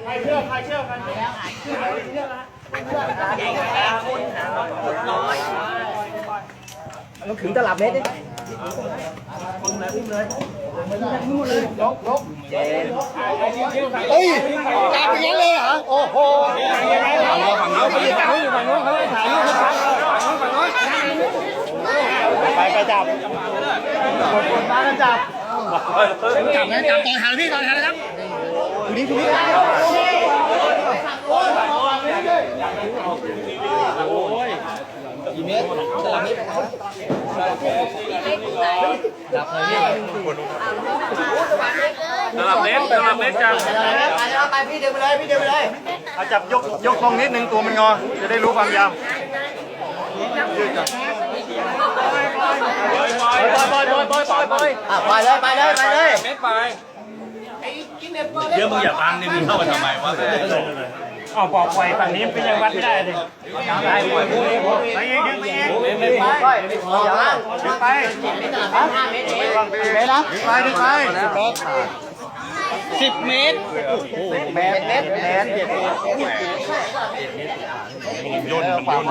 ใครเชื่อกันต้องถึงตลับเมตรดิเฮ้ยกลับอย่างนั้นเลยเหรอโอ้โหไปจับกดมากันจับจับนะจับต่อหางพี่ต่อหางนะครับทีนี้กี่เมตรตลับเมตรจับเลยพี่ตลับเล็กจังไปพี่เดินไปเลยเอาจับยกตรงนิดนึงตัวมันงอจะได้รู้ความยาวยืดกันไปเลยเม็ดไปเดี๋ยวมึงอย่าบังนี่มึงเข้ามาทำไมวะเอาปอกไฟฝั่งนี้เป็นยังวัดไม่ได้เลยได้ปล่อยไปดึงไปดึงไปดึงไป10 เมตร10 เมตรโอ้โหเมตรย่น